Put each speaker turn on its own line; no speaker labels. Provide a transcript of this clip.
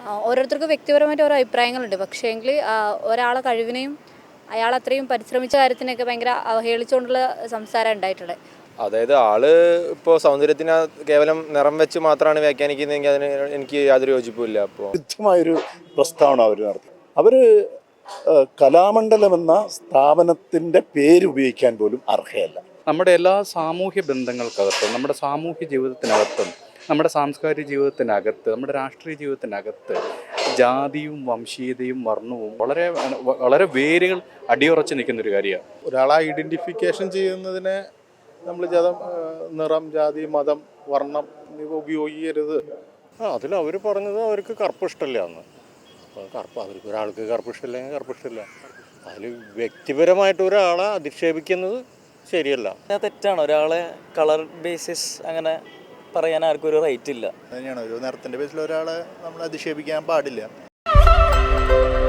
ഓരോരുത്തർക്കും വ്യക്തിപരമായിട്ട് ഓരോ അഭിപ്രായങ്ങളുണ്ട്. പക്ഷേങ്കിൽ ഒരാളെ കഴിവിനെയും അയാൾ അത്രയും പരിശ്രമിച്ച കാര്യത്തിനൊക്കെ ഭയങ്കര അവഹേളിച്ചുകൊണ്ടുള്ള സംസാരം ഉണ്ടായിട്ടുള്ളത്.
അതായത് ആള് ഇപ്പോൾ സൗന്ദര്യത്തിന് കേവലം നിറം വെച്ച് മാത്രമാണ് വ്യാഖ്യാനിക്കുന്നതെങ്കിൽ അതിന് എനിക്ക് യാതൊരു യോജിപ്പുമില്ല. അപ്പോൾ
കൃത്യമായൊരു പ്രസ്താവന അവർ നടത്തി. അവർ കലാമണ്ഡലം എന്ന സ്ഥാപനത്തിൻ്റെ പേര് ഉപയോഗിക്കാൻ പോലും അർഹയല്ല.
നമ്മുടെ എല്ലാ സാമൂഹ്യ ബന്ധങ്ങൾക്കകത്തും, നമ്മുടെ സാമൂഹ്യ ജീവിതത്തിനകത്തും, നമ്മുടെ സാംസ്കാരിക ജീവിതത്തിനകത്ത്, നമ്മുടെ രാഷ്ട്രീയ ജീവിതത്തിനകത്ത് ജാതിയും വംശീയതയും വർണ്ണവും വളരെ വളരെ വേരുകൾ അടിയുറച്ച് നിൽക്കുന്നൊരു കാര്യമാണ്.
ഒരാളെ ഐഡൻറ്റിഫിക്കേഷൻ ചെയ്യുന്നതിനെ നമ്മൾ നിറം, ജാതി, മതം, വർണ്ണം എന്നിവ ഉപയോഗിക്കരുത്.
അതിൽ അവർ പറഞ്ഞത് അവർക്ക് കറുപ്പ് ഇഷ്ടമില്ല എന്ന്. കറുപ്പ് അവർക്ക് ഒരാൾക്ക് കറുപ്പ് ഇഷ്ടമില്ലെങ്കിൽ കറുപ്പ് ഇഷ്ടമില്ല. അതിൽ വ്യക്തിപരമായിട്ട് ഒരാളെ അധിക്ഷേപിക്കുന്നത് ശരിയല്ല.
തെറ്റാണ്. ഒരാളെ കളർ ബേസിസ് അങ്ങനെ പറയാൻ ആർക്കും ഒരു റൈറ്റ് ഇല്ല.
തന്നെയാണ് ഒരു നിറത്തിൻ്റെ ബേസിൽ ഒരാളെ നമ്മൾ അധിക്ഷേപിക്കാൻ പാടില്ല.